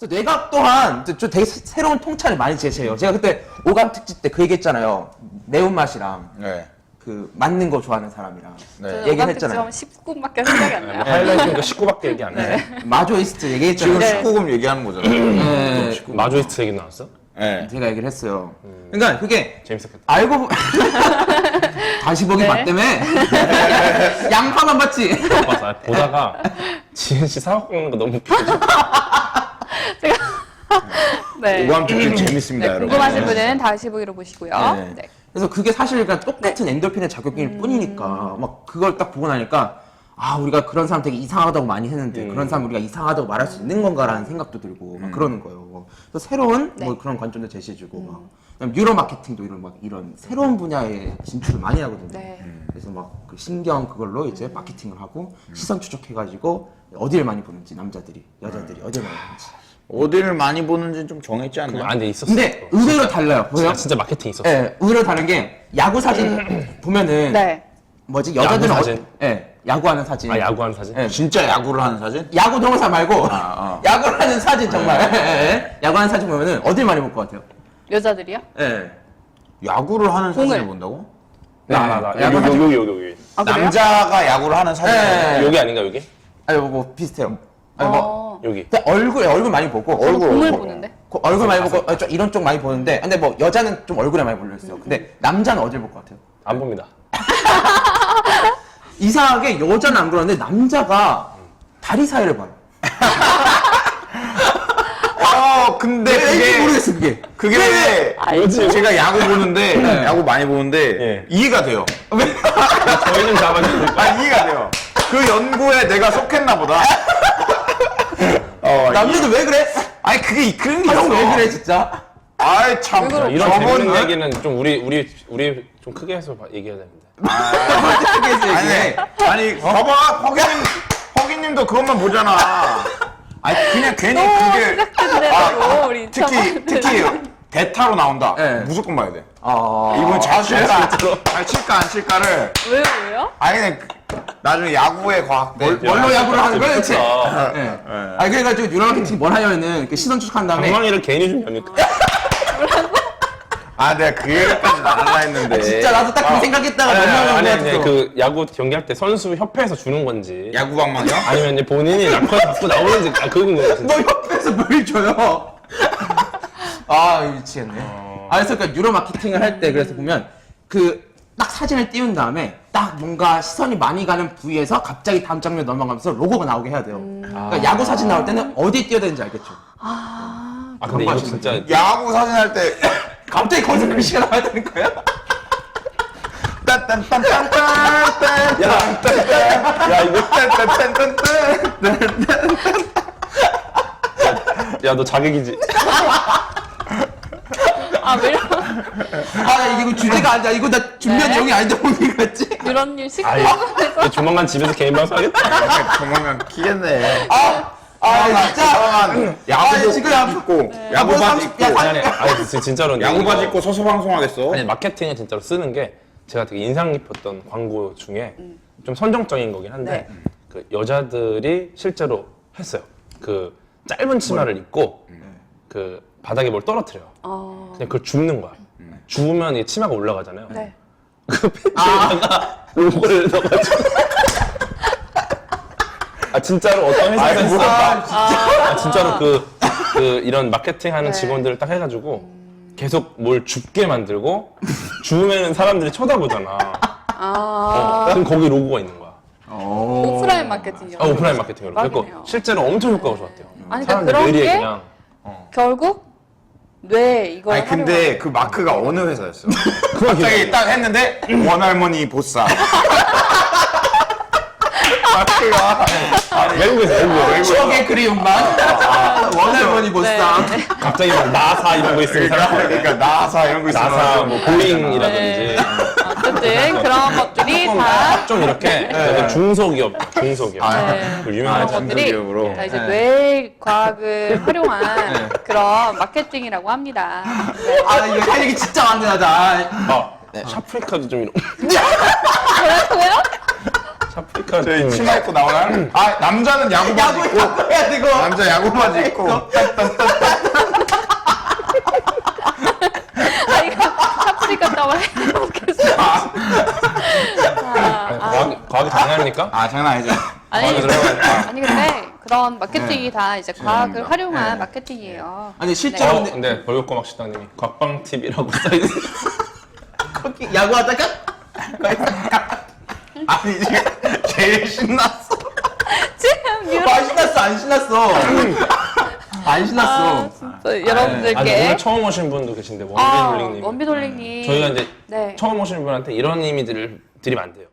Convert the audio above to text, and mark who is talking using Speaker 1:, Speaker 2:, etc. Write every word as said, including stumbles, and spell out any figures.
Speaker 1: 그래서 뇌가 또한 좀 되게 새- 새로운 통찰을 많이 제시해요. 제가 그때 오감 특집 때 그 얘기했잖아요. 매운맛이랑
Speaker 2: 네.
Speaker 1: 그 맞는 거 좋아하는 사람이랑
Speaker 2: 네.
Speaker 1: 얘기를 했잖아요.
Speaker 3: 십구 분밖에 생각이 안 나요.
Speaker 4: 하이라이트니까 십구밖에 얘기 안 해.
Speaker 1: 마조이스트
Speaker 2: 지금
Speaker 1: 얘기했잖아요.
Speaker 3: 네.
Speaker 2: 십구 금 얘기하는 거잖아요.
Speaker 1: 네.
Speaker 4: 마조이스트 얘기 나왔어?
Speaker 2: 네.
Speaker 1: 제가 얘기를 했어요. 그러니까 그게
Speaker 4: 재밌었겠다.
Speaker 1: 알고 보... 다시 보기
Speaker 3: 네.
Speaker 1: 맞다며? 양파만 봤지?
Speaker 4: 못 봤어. 아니, 보다가 지은 씨 사과 깎는 거 너무 웃겨서.
Speaker 3: 네.
Speaker 2: 오감 특집 재밌습니다,
Speaker 3: 네,
Speaker 2: 여러분.
Speaker 3: 궁금하신 분은 다시 보기로 보시고요.
Speaker 1: 네.
Speaker 3: 네.
Speaker 1: 그래서 그게 사실 그냥 똑같은 엔돌핀의 작용일 뿐이니까 막 그걸 딱 보고 나니까 아 우리가 그런 사람 되게 이상하다고 많이 했는데
Speaker 4: 음.
Speaker 1: 그런 사람 우리가 이상하다고 말할 수 있는 건가라는 생각도 들고 막 그러는 거예요. 그래서 새로운
Speaker 3: 네.
Speaker 1: 뭐 그런 관점도 제시해주고 막 그다음에 뉴로 마케팅도 이런 막 이런 새로운 분야에 진출을 많이 하거든요.
Speaker 3: 네.
Speaker 1: 그래서 막 그 신경 그걸로 이제 마케팅을 하고 시선 추적해가지고 어디를 많이 보는지 남자들이 여자들이 어디를 많이 보는지.
Speaker 2: 어디를 많이 보는지 좀 정했지 않나요?
Speaker 4: 그거 안돼 있었어.
Speaker 1: 근데 의외로 달라요. 보세요.
Speaker 4: 진짜, 진짜 마케팅 있었어.
Speaker 1: 예, 의외로 다른 게 야구 사진 보면은
Speaker 3: 네.
Speaker 1: 뭐지 여자들은
Speaker 4: 야구
Speaker 1: 어-
Speaker 4: 사진?
Speaker 1: 예, 야구하는 사진.
Speaker 4: 아 야구하는 사진?
Speaker 1: 예,
Speaker 2: 진짜 야구를 하는 사진?
Speaker 1: 야구 동영상 말고
Speaker 2: 아.
Speaker 1: 야구를 하는 사진 정말. 예, 예. 야구하는 사진 보면은 어딜 많이 볼 것 같아요?
Speaker 3: 여자들이요?
Speaker 1: 예.
Speaker 2: 야구를 하는
Speaker 3: 공을.
Speaker 2: 사진을 본다고?
Speaker 4: 나 나 나
Speaker 1: 야구
Speaker 4: 여기
Speaker 1: 사진.
Speaker 4: 여기 여기 여기.
Speaker 3: 아, 그래요?
Speaker 2: 남자가 야구를 하는 사진.
Speaker 1: 예.
Speaker 4: 여기 아닌가 여기?
Speaker 1: 아니 뭐 비슷해요. 아니 뭐
Speaker 3: 어.
Speaker 4: 여기.
Speaker 1: 근데 얼굴 얼굴 많이 보고
Speaker 3: 저는
Speaker 2: 얼굴,
Speaker 3: 공을
Speaker 2: 얼굴.
Speaker 3: 보는데.
Speaker 1: 그 얼굴 많이 보고 어, 좀 이런 쪽 많이 보는데 근데 뭐 여자는 좀 얼굴에 많이 몰려 있어요. 근데 남자는 어딜 볼 것 같아요?
Speaker 4: 안 봅니다.
Speaker 1: 이상하게 여자는 안 그러는데 남자가 다리 사이를 봐요.
Speaker 2: 어, 근데
Speaker 1: 왜 왠지
Speaker 2: 그게
Speaker 1: 모르겠어 그게.
Speaker 2: 그게 왜
Speaker 4: 알지.
Speaker 2: 제가 야구 보는데
Speaker 1: 네.
Speaker 2: 야구 많이 보는데
Speaker 4: 예.
Speaker 2: 이해가 돼요.
Speaker 4: 저희 좀 잡아주세요.
Speaker 2: 아 이해가 돼요. 그 연구에 내가 속했나 보다. 어,
Speaker 1: 남자도 왜 그래?
Speaker 2: 아니 그게 그런 게
Speaker 1: 형
Speaker 2: 있어.
Speaker 1: 왜 그래 진짜?
Speaker 2: 아이 참.
Speaker 3: 왜 그래?
Speaker 4: 이런
Speaker 2: 저건
Speaker 4: 재밌는
Speaker 2: 왜-
Speaker 4: 얘기는 좀 우리 우리 우리 좀 크게 해서 봐- 얘기해야 되는데.
Speaker 2: 아니 아니 봐봐 허기님 허기님도 그것만 보잖아. 아니 그냥 괜히
Speaker 3: 또
Speaker 2: 그게
Speaker 3: 시작된다고 우리
Speaker 2: 특히
Speaker 3: 인터뷰.
Speaker 2: 특히 대타로 나온다.
Speaker 1: 네.
Speaker 2: 무조건 봐야 돼.
Speaker 1: 아.
Speaker 2: 이분 자수칠까 아니 칠까 안 칠까를
Speaker 3: 왜요 왜요?
Speaker 2: 아니 그냥 나중에 야구의 과학대.
Speaker 1: 뭘- 뭘로 야구를 하는 거야 대체?
Speaker 4: 재밌겠다.
Speaker 1: 예. 아니 그래가지고 뉴럴 마케팅 뭘 하냐면은 그 시선 추적한 다음에
Speaker 4: 방망이를 괜히 좀 여니까.
Speaker 2: 아 내가 그 얘기까지는 안 하려 했는데.
Speaker 1: 진짜 나도 딱 그 생각했다가
Speaker 4: 아니 아니,
Speaker 1: 넘어간
Speaker 4: 아니,
Speaker 1: 거
Speaker 4: 아니
Speaker 1: 같아서.
Speaker 4: 그 야구 경기할 때 선수 협회에서 주는 건지
Speaker 2: 야구 방망이요?
Speaker 4: 아니면 이제 본인이 락커에 갖고 나오는지 아 그건 거야 진짜.
Speaker 1: 너 옆에서 뭘 줘요? 아 미치겠네. 아 그래서 그러니까 뉴로 마케팅을 할 때 그래서 보면 그 딱 사진을 띄운 다음에 딱 뭔가 시선이 많이 가는 부위에서 갑자기 다음 장면 넘어가면서 로고가 나오게 해야 돼요. 그러니까 야구 사진 나올 때는 어디 띄워야 되는지 알겠죠?
Speaker 3: 아.
Speaker 4: 아 근데 이거 진짜
Speaker 2: 야구 사진 할 때
Speaker 1: 갑자기 거기서 글씨가 나와야 되는 거야?
Speaker 2: 딴딴딴딴딴딴
Speaker 4: 야 이거
Speaker 2: 딴딴딴딴딴
Speaker 4: 야 너 자객이지.
Speaker 3: 아 왜 이런
Speaker 1: 아 이거 주제가 아니야. 이거 나 준비한
Speaker 3: 네.
Speaker 1: 내용이 아닌데 뭔지 같지?
Speaker 3: 이런 일
Speaker 4: 아이
Speaker 3: 시끄러워서
Speaker 4: 조만간 집에서 개인 방송 하겠다.
Speaker 2: 조만간 키겠네.
Speaker 1: 아, 아 진짜.
Speaker 2: 조만간 야구
Speaker 1: 아, 지금 야구-
Speaker 2: 입고
Speaker 1: 야,
Speaker 2: 야구
Speaker 1: 뭐
Speaker 2: 바지
Speaker 1: 삼십-
Speaker 2: 입고
Speaker 1: 야,
Speaker 4: 아니 아니 아니 진- 진짜로 근데
Speaker 2: 야구
Speaker 4: 이거-
Speaker 2: 바지 입고 서서 방송하겠어.
Speaker 4: 아니 마케팅을 진짜로 쓰는 게 제가 되게 인상 깊었던 광고 중에 좀 선정적인 거긴 한데
Speaker 3: 네.
Speaker 4: 그 여자들이 실제로 했어요. 그 짧은 치마를 입고 그 바닥에 뭘 떨어뜨려요.
Speaker 3: 어.
Speaker 4: 그냥 그걸 줍는 거야. 주우면 이 치마가 올라가잖아요.
Speaker 3: 네.
Speaker 4: 그 팬츠에다가 로고를 넣어가지고 아 진짜로 어떤 회사에서
Speaker 2: 아이고,
Speaker 4: 했어?
Speaker 2: 아,
Speaker 4: 아 진짜로 그, 그 이런 마케팅하는
Speaker 3: 네.
Speaker 4: 직원들을 딱 해가지고 계속 뭘 줍게 만들고 주우면 사람들이 쳐다보잖아.
Speaker 3: 아.
Speaker 4: 그럼 거기 로고가 있는 거야.
Speaker 3: 오프라인 마케팅이요.
Speaker 4: 아, 오프라인 마케팅으로. 그래서
Speaker 3: 대박이네요.
Speaker 4: 실제로 엄청 효과가 좋았대요.
Speaker 3: 아니, 그러니까
Speaker 4: 사람들
Speaker 3: 그런
Speaker 4: 뇌리에
Speaker 3: 게
Speaker 4: 그냥
Speaker 3: 결국 뇌 이거
Speaker 2: 아니 근데 그 마크가 어느 회사였어? 갑자기 딱 했는데 원할머니 보쌈. 마크가
Speaker 4: 외국에서 외국에서
Speaker 1: 추억의 그리움만. 원할머니 보쌈.
Speaker 3: 네.
Speaker 4: 갑자기 막 나사 이런 거 있으면
Speaker 2: 그러니까,
Speaker 4: 사람
Speaker 2: 그러니까 나사 이런 거 있어.
Speaker 4: 나사 뭐 보잉이라든지
Speaker 3: 어쨌든 그런 것들이 다
Speaker 4: 좀 이렇게 약간 중소기업 중소기업
Speaker 3: 네.
Speaker 4: 그 유명한
Speaker 3: 그런 것들이
Speaker 2: 중소기업으로.
Speaker 3: 다 이제
Speaker 1: 네.
Speaker 3: 뇌 과학을 활용한 그런 마케팅이라고 합니다. 네.
Speaker 1: 아 이거 할 얘기 진짜 많네 나.
Speaker 4: 아 샤프리카도 좀 이런
Speaker 3: 뭐라고요?
Speaker 4: 샤프리카
Speaker 2: 저희
Speaker 4: 팀.
Speaker 2: 치마 입고 나오나요? 아 남자는 야구 바지
Speaker 1: 야구
Speaker 2: 입고
Speaker 1: 야구 해야 되고.
Speaker 2: 남자 야구 바지 입고
Speaker 3: 아, 이거 샤프리카 따와 해보겠어. 아,
Speaker 4: 아니, 과학, 과학이 장난입니까?
Speaker 2: 아 장난 아니죠.
Speaker 3: 아니,
Speaker 4: 과학에 들어가니까.
Speaker 3: 아니 근데 그런 마케팅이 다 이제 과학을
Speaker 2: 죄송합니다.
Speaker 3: 활용한
Speaker 1: 네.
Speaker 3: 마케팅이에요.
Speaker 1: 아니 실제로
Speaker 4: 어,
Speaker 1: 근데
Speaker 4: 근데 벌교꼬막 식당님이 곽방팁이라고 써있어요.
Speaker 1: 거기 야구하다가
Speaker 2: 아니 지금 제일 신났어.
Speaker 3: 지금
Speaker 1: 아
Speaker 3: 유럽
Speaker 1: 신났어 안 신났어 안 신났어.
Speaker 3: 아, 진짜
Speaker 4: 아니,
Speaker 3: 여러분들께
Speaker 4: 오늘 처음 오신 분도 계신데
Speaker 3: 아,
Speaker 4: 원빈홀링님.
Speaker 3: 원빈홀링님
Speaker 4: 저희가 이제
Speaker 3: 네.
Speaker 4: 처음 오시는 분한테 이런 이미지를 드리면 안 돼요.